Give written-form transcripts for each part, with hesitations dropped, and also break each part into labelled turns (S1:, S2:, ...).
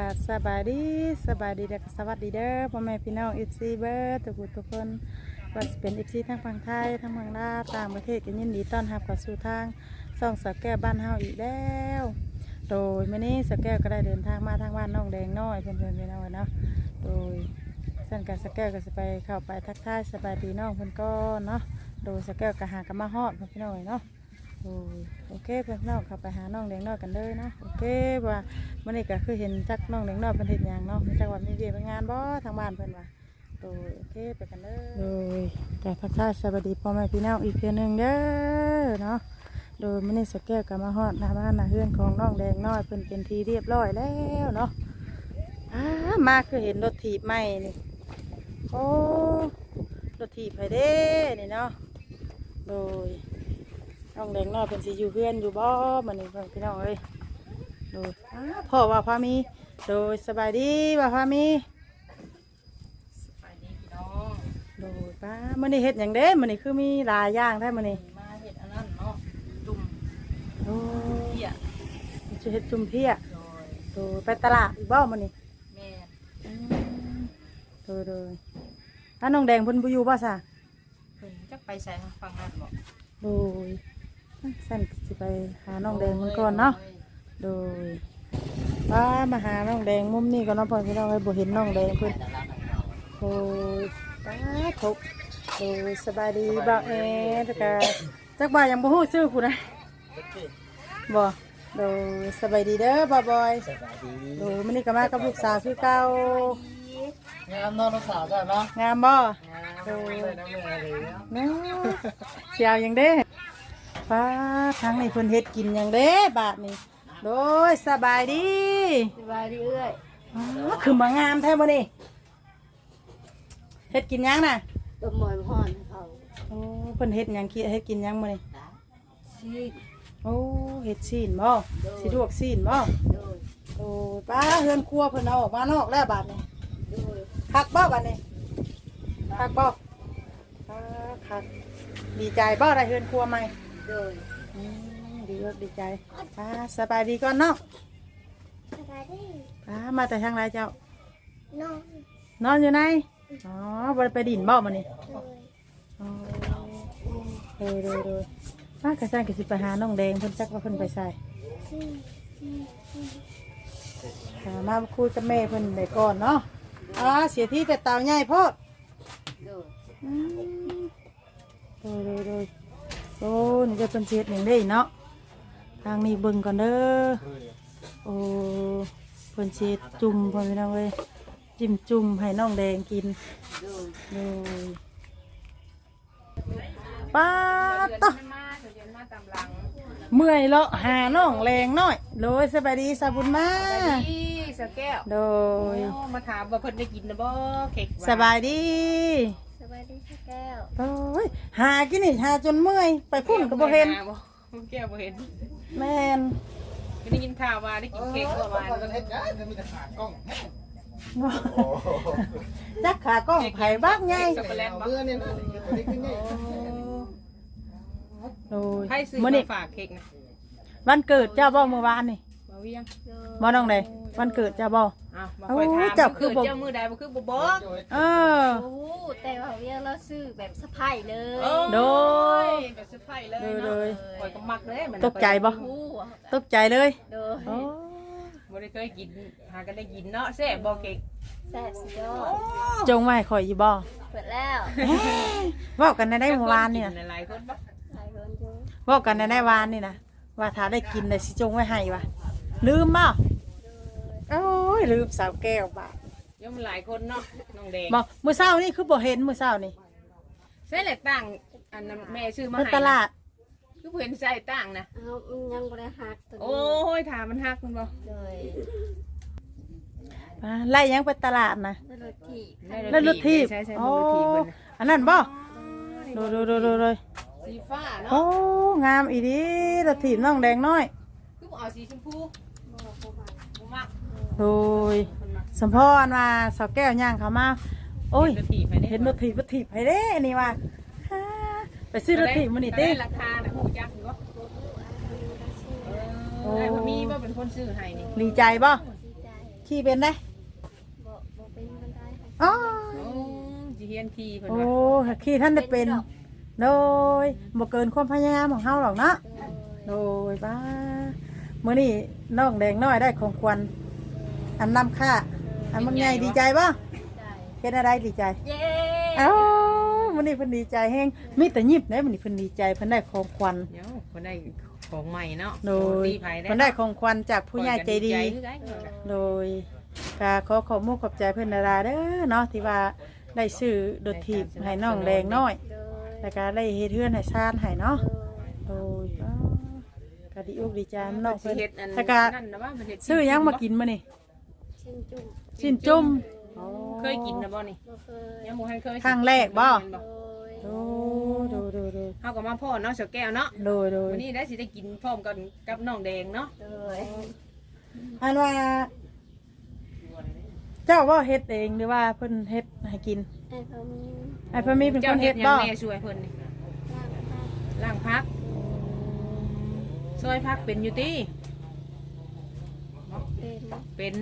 S1: สบายดีเด็กสวัสดีเด้อพ่อแม่พี่น้องFCเบิร์ทุกคนว่าจะเป็น FC ทั้งฝั่งไทยทั้งฝั่งลาวต่างประเทศกันยินดีต้อนรับเข้าสู่ทางส่องสาวแก้วบ้านเฮาอีกแล้วโดยมื้อนี้สาวแก้วก็ได้เดินทางมาทางบ้านน้องแดงน้อยเพื่อนๆพี่น้องเนาะโดยเส้นกับสาวแก้วก็จะไปเข้าไปทักทายสบายดีน้องเพื่อนก็เนาะโดยสาวแก้วก็หากันมาฮอดพี่น้องเนาะโอเคเพื่อนน้องเข้าไปหาน้องแดงน้อยกันเลยเนาะโอเคว่ามื่อนี้ก็คือเห็นจักน้องแดงน้อยเป็นเห็นอย่างเนาะจักว่ามีเวียนงานบ่ทางบ้านเพื่อนว่าโอเคไปกันเลยแต่ทักทายสวัสดีพ่อแม่พี่น้องอีกเพียงหนึ่งเด้อเนาะโดยมื่อนี้สแก้วกับมาฮอดหน้าบ้านหน้าเฮือนของน้องแดงน้อยเพิ่นเป็นทีเรียบร้อยแล้วเนาะมาคือเห็นรถถีบใหม่นี่โอ้รถถีบไปเด้นี่เนาะโดยน้องแดงน้อยเป็นสิอยู่เพื่อนอยู่บ่มันนี่พี่น้องเอ้ยโดยพ่อว่าพามีโดยสบายดีว่าพามี
S2: สบายดีพี่น้อง
S1: โดยป้ามันนี่เห็ดอย่างเด้มันนี่คือมีหลายอย่างได้มันนี่
S2: มาเห็ดอันนั้นเนาะจุ่ม
S1: โอ้
S2: เพี้ย
S1: จะเห็ดจุ่มเพี้ยโดยไปตลาดอีกบ่มันนี่
S2: แม่
S1: โดยถ้าน้องแดงเพิ่นบ่อยู่บ่ซะ
S2: เพิ่นจักไปใส่ฟังนั่นบ่
S1: โดยสั่นสิไปหาน้องแดงมันก่อนเนาะโดยป้ามาหาน้องแดงมุมนี้ก็น้องพ่อพี่น้องให้บ่เห็นน้องแดงเพิ่นโอ้ยป้าทบโดยสบายดีบ่าวแล้วก็จักบ่ายังบ่ฮู้ชื่อผู้ใดบ่โดยสบายดีเด้อบ่าวบอย
S3: สบายดี
S1: โดยมื้อนี้ก็มากับลูกสาวคือเก่าง
S3: ามนอนลูกสาวจ้ะเนาะ
S1: งามบ่โดย
S3: เลยน้ำแม่เลย
S1: เนาะเสียวหยังเด้ป้าทั้งนี้เพิ่นเฮ็ดกินหยังเด้บาดนี้โดยสบายดี
S2: สบายดีเอ้ย
S1: คือมางามแท้มื้อนี้เฮ็ดกินหยังน่ะ
S2: ต้มหมอยฮ้อนเขา
S1: โอ้เพิ่นเฮ็ดหยังคิดเฮ็ดกินหยังมื้อนี้
S2: ซีด
S1: โอ้เฮ็ดซีนบ่สิลวกซีนบ่
S2: โดย
S1: โอ้ป้าเฮือนครัวเพิ่นเอาออกมานอกแล้วบาดนี้
S2: โดย
S1: คักบ่บาดนี้คักบ่คักดีใจบ่ได้เฮือนครัวใหม่
S2: โดย
S1: ดีใจสบายดีก่อนเนาะ
S4: สบายดี
S1: มาแต่ทางไรเจ้า
S4: นอน
S1: นอนอยู่ไหนอ๋อไปดินบ่มานี่เลยป้ากระซังกระสิไปหาน้องแดงเพิ่นจักว่าเพิ่นไปใส่มาคุยกับแม่เพิ่นได้ก่อนเนาะเสียที่แต่เต่าใหญ่โพดเลยโอ้นี่จะเป็นเศษหนึ่งได้เนาะทางนี้เบิ่งก่อนเด้อโอ้เพิ่นเศษจุ่มพอพี่น้องเลยจิ้มจุ่มให้น้องแดงกินเลยป้าต่อเมื่อยเลาะหาน้องแรงน้อยโดยสบายดีสาบุญมา
S2: สบายดีสแก้ว
S1: โดย
S2: มาถามว่าเพิ่นได้กินนะบ่เค้ก
S1: สบายดี
S4: สบายดีแก้ว
S1: โอ้ยหากินนี่หาจนเมื่อยไปพุ่นก็บ่เห็น
S2: แก้วบ่เห็น
S1: แม่น
S2: ได้ยินข่าวว่าได้กินเค้กเมื่อวาน
S3: มีแต่ขากล้อง
S1: จักขากล้องไผ่บ้างไง
S3: เบื่อเนี่ยนะตัวนี้ขึ้นไง
S1: โอ้ย
S2: ให้ซื้อมาฝากเค้กนะ
S1: วันเกิดเจ้าบ่เมื่อวานนี่
S2: บ่เวียง
S1: บ่น้องใดวันเกิดเจ้าบ่
S2: มาคอยถามเจ้าคือเจ้ามือใดบ่คือบ่บอก
S1: โอ้
S4: แต่ว่าเวียเราซื้อแบบสะพายเลย
S1: โดย
S2: แบบสะพายเลยคอยก็มักเลย
S1: ตกใจบ่ตกใจเลย
S4: โดย
S2: บ่ได้เคยกินหากันได้กินเนาะแซ่บบ่เค้ก
S4: แซ่บสุดยอด
S1: จงไว้ข่อยอยู่บ่
S4: เปิดแล้ว
S1: เว้ากันได้เมื่อวานนี่นะ
S2: หลายคนบ่
S4: หลายคนอยู่
S1: เว้ากันได้วานนี่นะว่าถ้าได้กินได้สิจงไว้ให้ว่ะลืมบ่โอ้ยลืมสาวแก้วบ่
S2: ย่อมหลายคนเนาะน้องแดง
S1: บ่มื้อเช้านี่คือบ่เห็นมื้อเช้านี่
S2: ใส่แหละต่างอันแม่ซื้อมาให้
S1: ตลาด
S2: คือเห็นใส่ต่างนะ
S4: ยังบ่ได้หักตัวนี้
S2: โอ้ยถามมันหักมันบ่
S4: เลย
S1: ไล่ยังไปตลาดนะ
S4: แล้ว
S1: รถทีบโอ้อันนั้นบ่ดู
S2: สีฟ้าเนาะ
S1: โอ้งามอีดีรถทีบน้องแดงน้อย
S2: คือเอาสีชมพูมัก
S1: โดยสมพรมาสาวแก้วย่างเขามาโอ้ยเห็นรถทีบไปเด้นี่ว่าไปซื้อรถทีบมันนี่เต้
S2: ราคาน่ะฮู้จักอยู่บ่โอ้มีบ่เป็นคนซื้อให้นี่
S1: ดีใจบ่ขี่เป็นได้
S4: บ่เป็นบันไดค่ะ
S1: อ๋อ
S2: โอ้สิเฮียนขี่เพิ่น
S1: โอ้
S2: ว่า
S1: ขี่ท่านได้เป็นโดยบ่เกินความพยายามของเฮาหรอกเนาะโดยบ้ามื้อนี้น้องแดงน้อยได้ของขวัญอันนำค่าอันมันใหญ่ดีใจบ่
S4: ใจ
S1: เฮ็ดอะไรดีใจ
S4: เย้
S1: เอ้ามื้อนี้เพิ่นดีใจแฮงมีแต่ยิ้มเด้มื้อนี้เพิ่นดีใจเพิ่นได้ของขวัญ
S2: เดี๋ยวเพิ่นได้ของใหม่เนาะ
S1: โดย
S2: ดีไผ
S1: เพิ่นได้ของขวัญจากผู้ใหญ่ใจดี
S2: คือกัน
S1: โดยก็ขอขอบมุกขอบใจเพื่อนดาราเด้อเนาะที่ว่าได้ซื้อดดถีบให้น้องแดงน้อย
S4: โดย
S1: แล้วก็ได้เฮ็ดเฮือนให้ชาญให้เนาะโดยก็ดีอกดีใจน้อง
S2: สิ
S1: เพิ่น
S2: เฮ็ดอัน
S1: แล้วก็
S2: นั่นนะว่ามันเฮ็ด
S1: ซื้อหยังมากินมื้อนี่
S4: ชิ้นจุ่ม
S1: ชิ้นจุ่ม
S2: เคยกินนะบ่นี่
S4: บ่เคย
S2: ยังบ่ทันเคย
S1: ครั้งแรกบ่
S4: โดย
S1: โดยโดย
S2: เฮาก็มาพ่อเนาะเสาแก้วเนาะ
S1: โดยโดย
S2: วันนี้ได้สิได้กินพร้อมกันกับน้องแดงเนาะ
S4: โดย
S1: อันว่าเจ้าว่าเฮ็ดเองหรือว่าเพิ่นเฮ็ดให้กิน
S4: ไอ้พอมี
S1: ไอ้เพิ่นมีเป็นค
S2: เจ้าน เฮ็
S1: เฮ็
S2: ด
S1: ด
S2: หยั
S1: บ่
S2: งแม่ช่วยเพิ่นนี่
S4: ร่างผ้า
S2: ล้างพักซอยพักเป็นอยู่ติ
S4: เป็น
S2: เป็น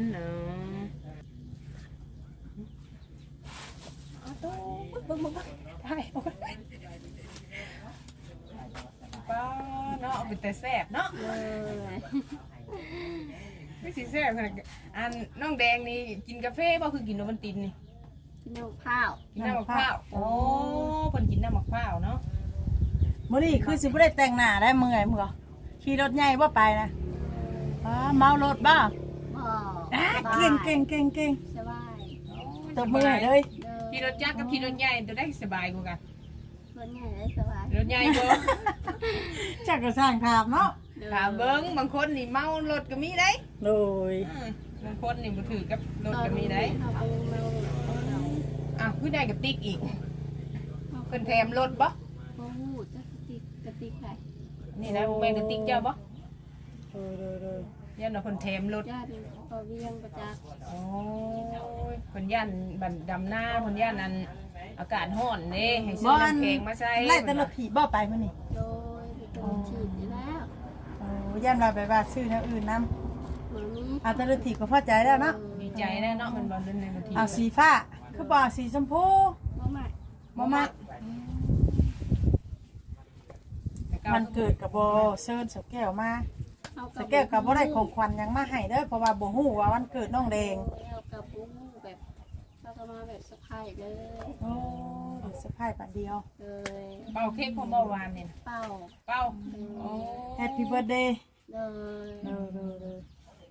S2: เอาตู้เบิ่งได้เอาไปป้าเนาะเป็นแต่แซ่บเนาะ
S4: เลย
S2: ไม่สิแซ่บขนาดอันน้องแดงนี่กินกาแฟบ่คือกินโนมันตินนี่
S4: กินนมข้าว
S2: กินน้ำมะพร้าวโอ้เพิ่นกินน้ำมะพร้าวเนาะ
S1: มื้อนี้คือสิบ่ได้แต่งหน้าได้เมื่อยมื้อขี่รถใหญ่บ่ไปนะเมารถบ่
S4: บ่
S1: เก่งเก่งเก่งเก่ง
S4: สบาย
S1: ตบมือให้เลย
S2: ขี่รถจักรกับขี่รถใหญ่ตัวได้สบายกว่ากัน
S4: คนใหญ่ได้สบาย
S2: รถใหญ่บ่
S1: จักก็สร้างถามเนาะ
S2: ถ้าเบิ่งบางคนนี่เมารถก็มีได้
S1: โดย
S2: บางคนนี่บ่ถือกับรถก็มีได้
S4: เอาไปเมา
S2: อ้าวคือได้กับติ๊กอีกเพิ่นแถมรถบ่
S4: โอ้โหจะกระติกใคร
S2: นี่นะแม่นกับติ๊กเจ้าบ่
S1: โดย
S2: ยันว่าเพิ่นแถมรถ
S4: ญาติพอเวียงประจักษ์
S2: โอ้ยเพิ่นย่านบันดำหน้าเพิ่นย่านอันอากาศร้อนเด้ให้ซื้อน้ำแข็งมาใส่
S1: ไล่แต่รถถีบบ่ไปมื้อนี้
S4: โดยเป็นฉีดอยู่แล้ว
S1: ย่านว่าไปว่าซื้อแนวอื่นนำ
S4: หมามี
S1: เอาแต่รถถีบก็พอใจแล้วเนาะ
S2: ดีใจแน่เนาะมันบ่เล่นในบางที
S1: เอาสีฟ้าคือบ่สีชมพู
S4: บ่ใหม่
S1: บ่มักมันเกิดกับบ่เชิญสแก้วมาสแก้วก็บ่ได้ของขวัญหยังมาให้เด้อเพราะว่าบ่ฮู้ว่าวันเกิดน้องแดง
S4: แล้วกับปุ้งแบบเราก็มาแบบสะพายเลย
S1: โอ้เดี๋ยวเซอร์ไพรส์บัดเดียว
S4: เลย
S2: เป่าเค้กพอเมื่อวานเนี่ย
S4: เป้า
S2: เป่าโอ้
S1: Happy birthday
S4: เลย
S1: เด้อ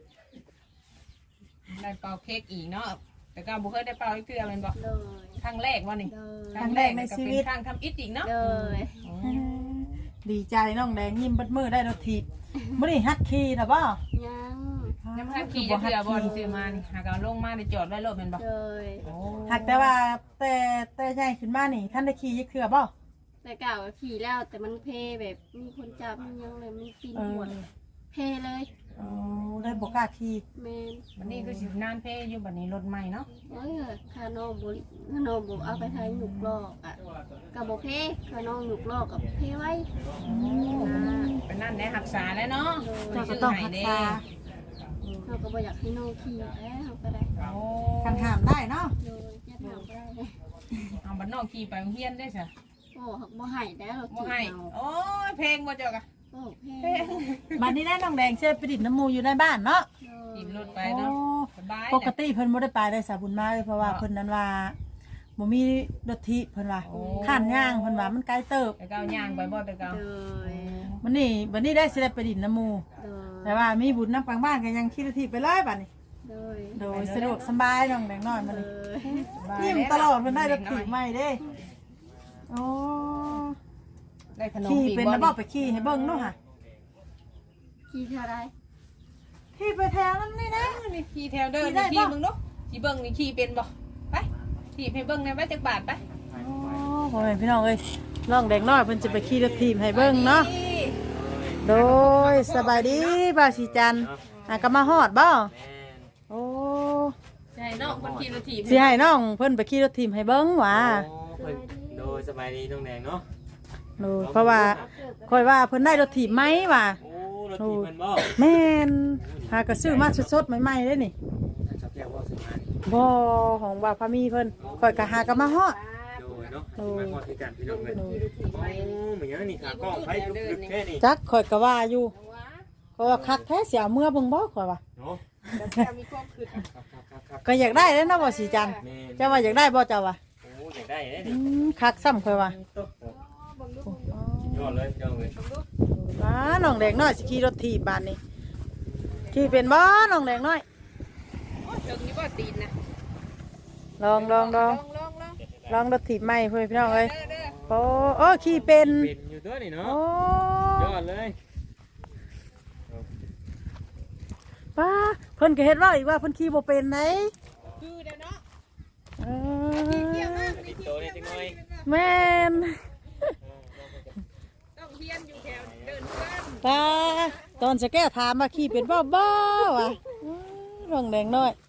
S2: ได้เป่าเค้กอีกเนาะแต่ก็บ่เคยได้เป่าอีกเทื่อแม่นบ่
S4: เลย
S2: ครั้งแรกว่านี่
S4: เลย
S1: ครั้งแรกในชีวิต
S2: ครั้งทำอิฐอีกเนาะ
S4: เลย
S1: ดีใจน้องแดงยิ้มเบิดมือได้รถถีบมื้อนี้ฮัดขี่น่ะบ่
S4: ยัง
S2: น้ำฮักขี่จะเทื่อบ่ที่ซื้อมานี่หากเอาลงมาได้จอดไว้รถแม่นบ่
S4: เลย
S2: โอ้
S1: หักแต่ว่าแต่ใหญ่ขึ้นมานี่ท่านได้ขี่ยักเทื่อบ่
S4: แต่เก่าขี่แล้วแต่มันเพแบบมีคนจับมันยังเลยมีปีนหัวเพเลย
S1: อ๋อได้บ่กล้าขี่
S4: แมน
S2: วันนี้คือสินานเพอยู่บัดนี้รถใหม่เนาะ
S4: เอ้ยข้าน้องบุข้าน้องบุเอาไปทายหนุกลอกอ่ะกับโบเพข้าน้องหนุกลอกกับเพไว้นะ
S2: เป็นนั่นแหละรักษาแล้วเนาะ
S1: เจ้าก็ต้องรักษา
S4: เราก็บ่อยากให้น้องขี่แล้วก็ได้
S2: โอ้
S1: คันห้ามได้เนาะ
S4: โดยจะทำได้
S2: เอาบัดน้องขี่ไปโรงเรียนได้ซะ
S4: โอ้บ่ให้แล้วเรา
S2: บ่
S4: ขี่
S2: ให้
S4: เอา
S2: โอ้ยเพลงบ่เจ้ากะ
S4: โอ้เพ
S2: เพลง
S1: บัดนี้ได้น้องแดงเชื่อไปดิบน้ำหมูอยู่ในบ้านเนาะ
S2: ขี่รถไปเนาะสบาย
S1: ปกติเพิ่นบ่ได้ไปได้สาบุญมาเลยเพราะว่าเพิ่นนั้นว่าบ่มีรถทิเพิ่นว่าข้านย่างเพิ่นว่ามันไกลเติบ
S2: แต่ก็เอาย่างไปบ่แต่ก็
S4: โดย
S1: วันนี้ได้สิได้ไปดินน้ำหมู
S4: โดย
S1: แต่ว่ามีบุญน้ำปังบ้านก็ยังขี่รถทิไปเลยบัดนี้
S4: โดย
S1: โดยสะดวกสบายน้องแดงน้อยมัน
S4: เอ
S1: นี่
S4: อ
S1: ยิ้มตลอดเพิ่นได้รถทิใหม่เด้โอ้
S2: ได้ขนม
S1: ขี่
S2: ปีก
S1: เป็น
S2: บ่
S1: นะบ่ไปขี่ให้เบิ่งเนาะค่ะ
S4: ขี่เท่าไร
S1: ขี่ไปแถวนั้นนี่นะ
S2: นี่ขี่แถวเดิน
S1: ขี่ได้
S2: นี่ขี่
S1: ปะ
S2: มึงเนาะขี่เบิ่งนี่ขี่เป็นบ่ไปขี่ให้เบิ่งในไว้จักบาทไป
S1: โอ้พ่อแม่พี่น้องเอ้ยน้องแดงน้อยเพิ่นจะไปขี่รถทีมให้เบิ่งเนาะโดยสบายดีบ่าวสีจันทร์ก็มาฮอดบ่โอ้
S2: ใช่เนาะคนขี่รถถีบ
S1: สิให้น้องเพิ่นไปขี่รถทีมให้เบิ่งหว่า
S5: โอ้เพิ่นโดยสบายดีน้องแดงเนาะ
S1: โดยเพราะว่าค่อยว่าเพิ่นได้รถทีมไหมว่ะ
S5: โอ้รถถีบมันบ่
S1: แม่นหากระซื้อมาสดๆใหม่ๆเด้นี่
S5: จับสมาน
S1: บ่ของว่าพามีเพิ่นข่อยก็หากันมาฮอด
S5: โดยเนาะมาพอที่กันพี่น้องเลยโอ้เหมือนนี่ขากล้องไปลึกๆแค่นี้
S1: จักข่อยก็ว่าอยู่เพราะว่าคักแท้เสียเมื่อเบิ่งบ่ข่อยว่า
S5: เนาะ
S2: จะมีความคืด
S5: ครับ
S1: ก็อยากได้แล้วเนาะบ่สีจันทร์
S5: แม่
S1: เจ้าว่าอยากได้บ่เจ้าว่า
S5: โอ้อยากได้เลย
S1: อื
S5: นี่
S1: คักซ้ำข่อยว่า
S5: ยอดเลยยอดเลย
S1: ว้าน้องแดงน้อยสิขี่รถถีบบ้านนี้ขี่เป็นบ่น้องแดงน้อย
S2: เรื่องนี้ว่าตีนนะ
S1: ลอง
S2: ลอง
S1: ลองรถถีบใหม่เพื่อนพี่น้องเอ้ย
S2: เด้อ
S1: โอ้ขี่เป็น
S5: เป็นอยู่ตัวนี่เนาะ
S1: โอ้
S5: ยอดเลย
S1: ป้าเพิ่นก็เฮ็ดว่าอีกว่าเพิ่นขี่บ่เป็นไหน
S2: คือเด้อเนาะ
S1: เอ
S5: ติดโตนี่จังหน่อย
S1: แม่น
S2: ต้องเฮียนอยู่แถวเดินเพื่อน
S1: ป้าตอนจะแก้ถามว่าขี่เป็นบ่บ่วะน้องแดงน้อย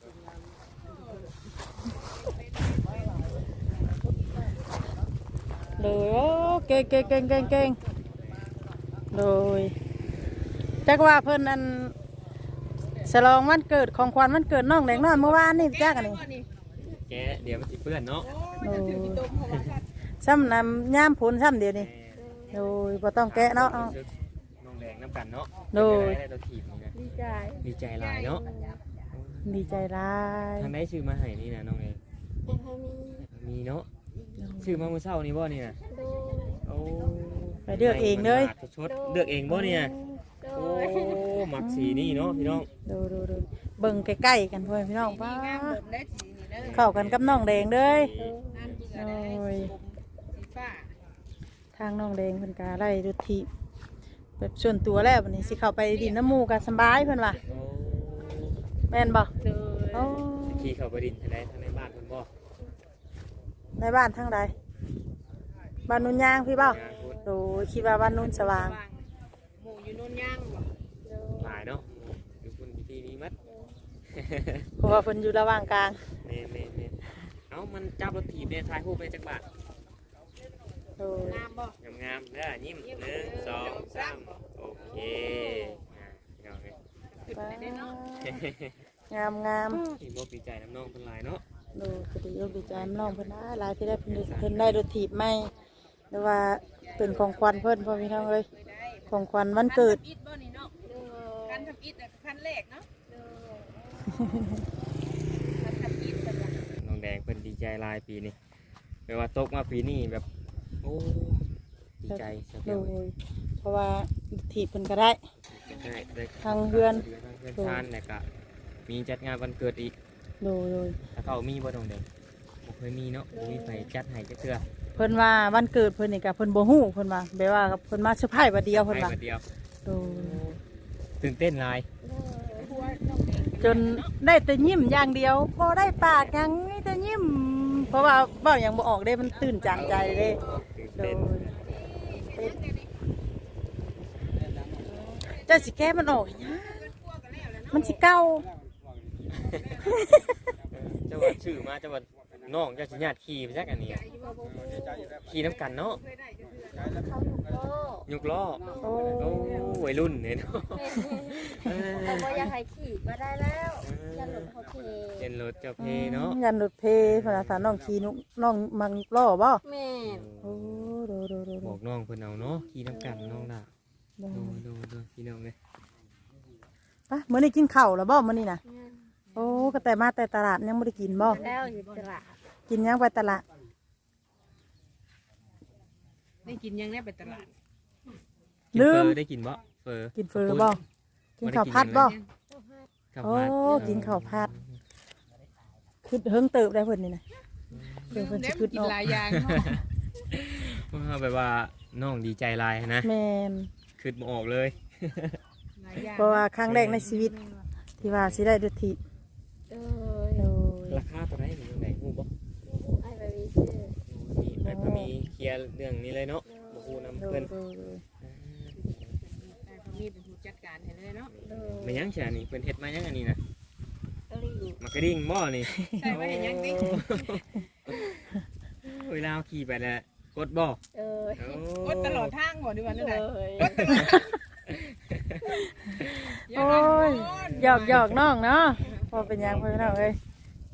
S1: เลยโอ้เก่งเลยจักว่าเพิ่นอันฉลองวันเกิดของขวัญวันเกิดน้องแดงน้อยเมื่อวานนี่จักอันนี้
S5: แกเดี๋ยวมันสิเปื้อนเนาะ
S1: โอ้ซ้ำน้ำย่ามผลซ้ำเดียวนี่โดยบ่ต้องแกะเนาะเอา
S5: น้องแดงน้ำกันเนาะ
S1: โดย
S5: ได้ตัวถีบนี่นะ
S4: ดีใจ
S5: ดีใจหลายเนาะ
S1: ดีใจร้าย
S5: ทางได้ชื่อมาให้นี่นะน้องแดง
S4: แต่พามี
S5: มีเนาะชื่อมาเมื่อเช้านี่บ่นี่นะ
S4: โด
S5: โอ้
S1: ไปเลือกเองเลย
S5: ชดเลือกเองบ่เนี่ย
S4: โด
S5: โอ้มักสีนี่เนาะพี่น้อง
S1: ดูเบิ่งใกล้ๆกันเพื่อนพี่น้องป้า
S2: งามหมดได้สีนี่เด้อ
S1: เข้ากันกับน้องแดงเลย
S2: งานเบื่อได้
S1: โอ้ย
S2: สีฟ้า
S1: ทางน้องแดงเพิ่นกาไล่ดุทีแบบส่วนตัวแล้ววันนี้สิเข้าไปดินน้ำหมูกันสบายเพิ่นว่า
S5: โอ้
S1: แม่นบ่
S2: เด้อ
S1: โอ้
S5: ขี่เข้าไปดินทางใดทางในบ้านเพิ่นบ่
S1: ในบ้านทางใดบ้านนุ่นยางพี่เบ้าง
S5: านพูด
S1: โดยคิดว่าบ้านนุ่นสว่าง
S2: หมู่อยู่โน่นย่างบ่
S5: หลายเนาะอยู่คุณพิธีนี้มัด
S1: เพราะว่าเพิ่นอยู่ระหว่างกลาง
S5: เน่เอ้ามันจับรถถีบเนี่ยถ่ายรูปได้จักบาท
S1: โดย
S2: งามบ่
S5: งามๆเด้อยิ้ม1 2 3โอเคเอาไง
S2: ขึ้นไปได้เนาะ
S1: งาม
S5: อีโมดีใจน้ำน้องเป็นหลายเนาะ
S1: ดูคดียกดีใจน้องเพิ่นนะหลายที่ได้เพิ่นได้รถถีบใหม่หรือว่าเป็นของขวัญเพิ่นพ่อพี่น้องเอ้ยของขวัญวันเกิด
S2: อิดบ่นี่เนาะการทำอิดขั้นแรกเนาะการทำอิดแบบว่า
S5: น้องแดงเป็นดีใจหลายปีนี้แปลว่าตกมาปีนี้แบบโอ้ดีใจสัก
S1: โด
S5: เดียวย
S1: เพราะว่าถีบเพิ่นก็ได้
S5: ได้
S1: ทางเฮือน
S5: เพื่อนทานเนี่ยก็มีจัดงานวันเกิดอีก
S1: โดย
S5: ถ้าเขามีบ่น้องแดงบ่เคยมีเนาะบ่มีใครจัดให้จักเทื่อ
S1: เพิ่นว่าวันเกิดเพิ่นนี่ก็เพิ่นบ่ฮู้เพิ่นว่าแบบว่าเพิ่นมาเซอร์ไพรส์วันเดียวเพิ่นว่า
S5: ให้มาเดียว
S1: โดย
S5: ตื่นเต้นหลาย
S1: จนได้แต่ยิ้มอย่างเดียวพอได้ปากหยังมีแต่ยิ้ม เพราะว่าเว้าหยังบ่ออกเด้มันตื่นจานใจเด้
S5: ตื่น
S1: โด
S5: เต้น
S1: ยเจ้าสิแก้มันออกหยังมันสิเก่า
S5: เจ้าว่าชื่อมาเจ้าว่าน้องเจ้าสิญาติขี่ไปจักอันนี้อะขี่น้ำกันเนาะ
S4: เขาหนุกโลก
S5: ยุกล้อ
S1: โอ้
S5: โอ้วัยรุ่นเนี่ยเนาะ
S4: แต่ว่าอยากให้ขี่มาได้แล้วอย่าหลุดเขาเท
S5: เล่นรถเจ้าเพเนาะ
S1: ยันรถเพพนักงานน้องขี่นุน้องมังล้อบ่
S4: แม่
S1: โอ้โด
S5: บอกน้องเพิ่นเอาเนาะขี่น้ำกันน้องล่ะ
S1: โด
S5: ดูพี่น้องเลย
S1: ปะมื้อนี้กินข้าวแล้วบ่มื้อนี้น่ะโอ้ก็แต่มาแต่ตลาดยังบ่ได้กินบ่
S4: แล้วอยู่ตลาด
S1: กินยังไปตลาด
S2: ได้กินยังได้ไปตลาด
S5: กินเฟอร์ได้กินบ่เฟอร์
S1: กินเฟอบ่ กินข้าวผัดบ่
S5: ข้าว
S1: โอ้
S5: ผัด
S1: กินข้าวผัดคือเฮิงเติบได้เพิ่นนี่นะเพิ่น
S2: เพิ่น
S1: สิ
S2: สิ
S1: ขึ้
S2: ขึ้
S1: น
S2: น
S1: ออก
S2: หลายอย่างเนาะ
S5: ว่าแบบว่าน้องดีใจหลายนะ
S1: แม่น
S5: ขึ้นบ่ออกเลย
S2: หลายอย่าง
S1: เพราะว่าครั้งแรกในชีวิต ที่ว่าสิได้ดุที
S4: เออ
S1: โดย
S5: ราคาตัวไหนอยู่ตรงไหนฮู้บ่
S4: ไอ้แบบนี้ชื่อ
S5: มีไปก็มีเคลียร์เรื่องนี้เลยเนาะบ่ฮู้นำ
S1: โด
S5: เพิ่
S1: ย
S5: น
S1: โดย
S2: แต่เขามีเป็นผู้จัดการให้เลยเนาะ
S4: เออ
S5: มายังแช่นี่เพิ่นเฮ็ดมายังอันนี้นะ
S4: กะหรี่
S5: มากระดิ่งบ่นี่
S2: ใช่ว่าอย่างยังดิ
S5: เวลาขี่ไปแล้วกดบ่
S4: เออ
S2: กดตลอดทางบ่ดีกว่านั่นแหละ
S4: เลย
S1: โอ้ยหยอกน้องเนาะพอเป็นหยังเพิ่นน้องเอ้ย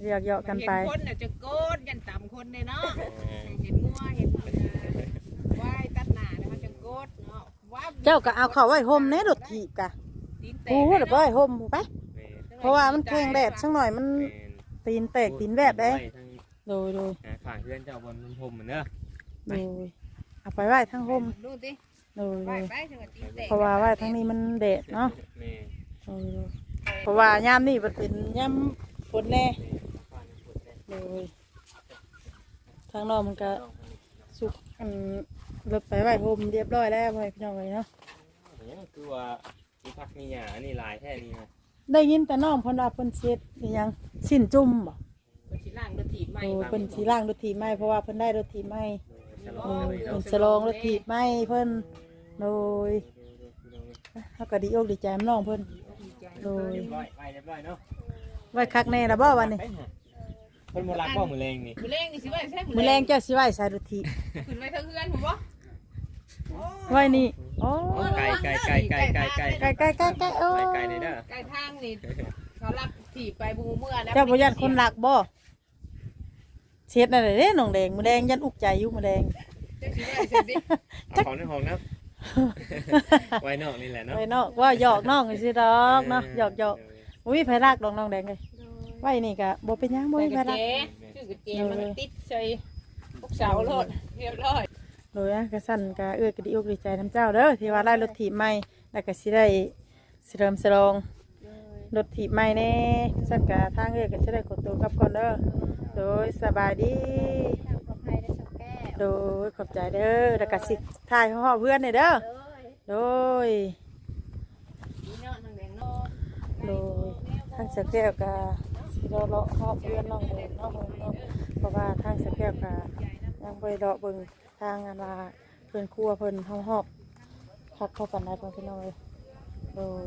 S1: เรียกเยาะกันไป
S2: เห็นคนน่ะจะโกดยันต่ำคนเลยเนาะเห็นงัวเห็นว่ายตัดหน้าเนี่ยมันจะโกดเนาะว้า
S1: เจ้าก็เอาเข้าไว้ห่มแหน่รถถีบกะ
S2: ตีนแต
S1: กู
S2: ก
S1: เดี๋ยวไปห่มไป
S5: แม่น
S1: เพราะว่ามันแข็งแดดสักหน่อยมัน
S5: แม่น
S1: ตีนแตกตีนแวบเด้
S5: ไว้ทั้ง
S1: โดย
S5: ข้างเพื่อนเจ้าบนพรมเหมือนเด้อ
S1: โดยเอาไปไว้ทั้งห่ม
S2: ดูสิ
S1: โดย
S2: ไปไปถึงกับตีนแตก
S1: เพราะว่าไว้ทั้งนี้มันแดดเนาะ
S5: แม่
S1: โดยเพราะว่ายามนี่มันเป็นยามฝนแน่โดยทางนอกมันก็สุกรถไปไว้ห่มเรียบร้อยแล้วพี่น้องเลยเนาะ
S5: เนี่ยคือว่ามีพักมีหยาอันนี้หลายแท้นี่นะ
S1: ได้ยินแต่น้องเพิ่นว่าเพิ่นเช็ดอีหยังสิ้นจุ่มบ่
S2: คนที่ล่างรถถีบใหม่
S1: โอ้เพิ่นสิล้างรถถีบใหม่เพราะว่าเพิ่นได้รถถีบใหม่
S5: ฉลอ
S1: โอ้
S5: งเลย
S1: เพิ่
S5: เนาะ
S1: นฉลองรถถีบใหม่เพิ่นโดยเฮาก็ดีอกดีใจน้องเพิ่นโดย
S5: เรียบร้อยไปเรียบร้อยเนาะ
S1: ไว้คักแน่ล่ะบ่วันนี้
S5: ไปหาคนโบราณบ่มือแรงนี่
S2: มือแรงนี่สิว่าใช่
S1: มื้อแรงเจ้าสิไว้ใส่รถถีบ
S2: ขึ้นไปเท่าเพื่อนผมบ่
S1: ไว้นี่โอ้
S5: ไก่ไก่ไก่ไก่ไก่ไก่
S1: ไกลๆๆๆโอ้
S5: ไก่ไก่เลยเด้อ
S2: ใกล้ทางนี่เขารับถีบไปบูเมื่อนะ
S1: เจ้าบ่ยันคนรักบ่เช็ดนั่นแหละเด้น้องแดงมื้อแดงยันอุกใจอยู่มื้อแดง
S2: จะคิดว่าเสร็จดิ
S5: เอาของในห้องนะไว้นอกนี่แหละเนาะ
S1: ไว้นอกว่าหยอกน้องสิดอกเนาะหยอกบ่มีไผรักดอกน้องแดงเลยไว้นี่ก็บ่เป็นหยังบ่มีไผ
S2: กระ
S1: รัก
S2: เจชื่อกระเจมันติดใส่พวกเสาโลดเรียบร้อย
S1: โดยกระสั่นกะก็ดีอกดีใจน้ำเจ้าเด้อที่ว่าได้รถถีบใหม่แล้วก็สิได้สิเริ่มสลองรถถีบใหม่แน่สั่นกะทางก็สิได้ขอตัวกลับก่อนเด้อโดยสบายดี
S4: ทางปลอดภัยได้สักแก้ว
S1: โดยขอบใจเด้อแล้วก็สิถ่ายห่อเพื่อนนี่เด้อ
S4: เลย
S1: โดย
S2: นี่เนาะนางแดงเนาะ
S1: โดยทางสะแก้วกะสิรอเลาะห่อเพื่อนน้องเด้อเนาะเพราะว่าทางสะแก้วกะยังบ่ได้เลาะเบิ่งทางอันว่าเพิ่นครัวเพิ่นห้องฮอบพักเข้ากันได้เพิ่นพี่น้องเอ้ยโดย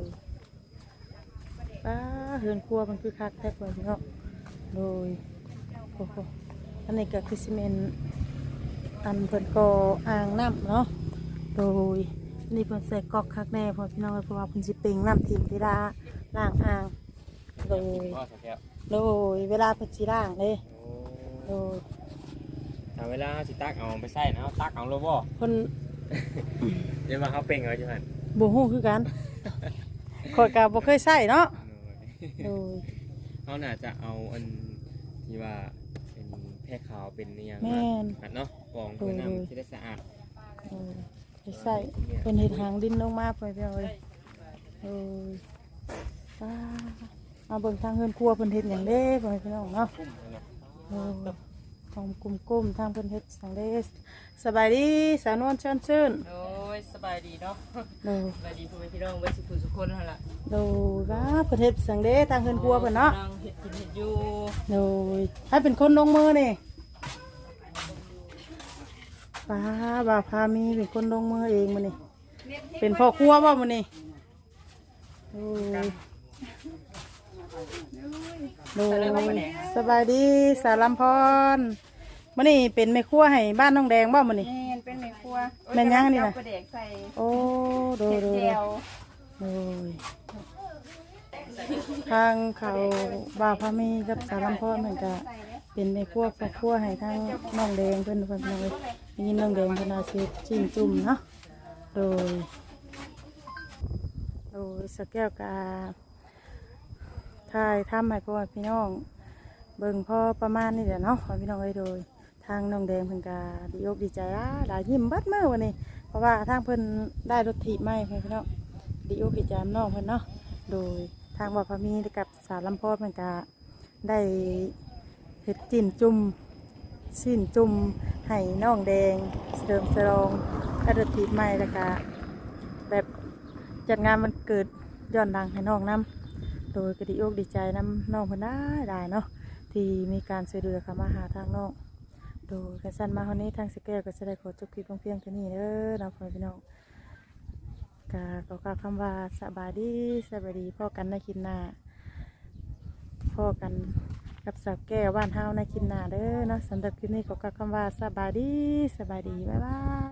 S1: เฮือนครัวมันคือคักแท้เพิ่นพี่น้องโดยโอ้โหอันนี้ก็คือซีเมนต์อันเพิ่นก็อ่างน้ำเนาะโดยนี่เพิ่นใส่ก๊อกคักแน่เพราะพี่น้องเพราะว่าเพิ่นสิเป่งน้ำทิ่มเวลาล้างอ่างโดย
S5: ก็สักแก้ว
S1: โดยเวลาเพิ่นสิล้างเด้โดย
S5: ถ้าเวลาสิตักเอาไปใส่นะตักเอาโลบ่
S1: เพิ่น
S5: เดี๋ยวมาเขาเป่งเอาอยู่หั่น
S1: บ่ฮู้คือกันข้อยก็บ่เคยใช้เนาะโดย
S5: เขาน่าจะเอาอันที่ว่าเป็นแพร่ขาวเป็นเนี่ย
S1: แม่น
S5: อัดเนาะกองเพื่อน้ำที่ได้สะอาด
S1: โดยไปใส่เพิ่นเฮ็ดหางดินลงมาเพิ่นพี่น้องเอ้ยโดยเอาเบิ่งทางเฮือนครัวเพิ่นเฮ็ดหยังเด้เพิ่นพี่น้องเนาะ
S5: กุ้มเลยเนาะ
S1: โอ้ของกุ้มๆทางเพิ่นเฮ็ดสังเดสสบายดีสาวนวลเชิญชื่น
S2: โอ้ยสบายดีเนาะ
S1: โดย
S2: สบายดีพ่อแม่พี่น้องไว้สุขสุขคนนั่นแหละ
S1: โดยว่าเพิ่นเฮ็ดสังเดสทางเฮือนครัวเพิ่นเนาะ
S2: งเห็ดกินเห็ดอยู่
S1: โดยให้เป็นคนลงมือนี่ป้าบ่าวพามีเป็นคนลงมือเองมื้อนี่เป็นพ่อครัวบ่มื้อนี่โอ้ยโดยสบายดีสารัมพรมื้อนี้เป็นแม่ครัวให้บ้านน้องแดงบ่มื้อนี่
S4: แม่นเป็นแม่ครัว
S1: แม่นยังนี่น่ะ
S4: เอาปลาแดกใส่
S1: โอ้โดย
S4: เห็ด
S1: โดย
S4: เจียว
S1: โดยทางเขาบ่าวพามีกับสารัมพรเหมือนกันเป็นในครัวครอบครัวให้ทางน้องแดงเพิ่นเพิ่นเลยยินน้องแดงเพิ่นอาชีพจิ้มจุ่มเนาะโดยสแก้วกาถ่ายทำให้พ่อพี่น้องเบิ่งพ่อประมาณนี้แหละเนาะพ่อพี่น้องเอ้ยโดยทางน้องแดงเพิ่นกาดีอกดีใจหลายยิ้มเบัดเมื่อวันนี้เพราะว่าทางเพิ่นได้รถถีบใหม่พ่อพี่น้องดีอกดีใจน้องเพิ่นเนาะโดยทางบ่าวพามีกับสาวลำพอเพิ่นกาได้เฮ็ดจิ้มจุ่มสิ้นจุ่มให้น้องแดงเสริมสรองได้รถถีบใหม่แล้วก็แบบจัดงานมันเกิดย้อนดังให้น้องนํโดยก็ดีอกดีใจน้ำน้องเพิ่นได้เนาะที่มีการช่วยเหลือเข้ามาหาทางน้องโดยกันสั้นมาวันนี้ทางสแกลก็จะได้ขอจบคลิปเพียงเท่านี้เด้อน้องพี่น้องก็ขอกล่าวคำว่าสบายดีพ่อกันในคลิปหน้าพ่อกันกับสาวแก้วบ้านเฮาในคลิปหน้าเด้อเนาะสำหรับคลิปนี้ขอกล่าวคำว่าสบายดีบ๊ายบาย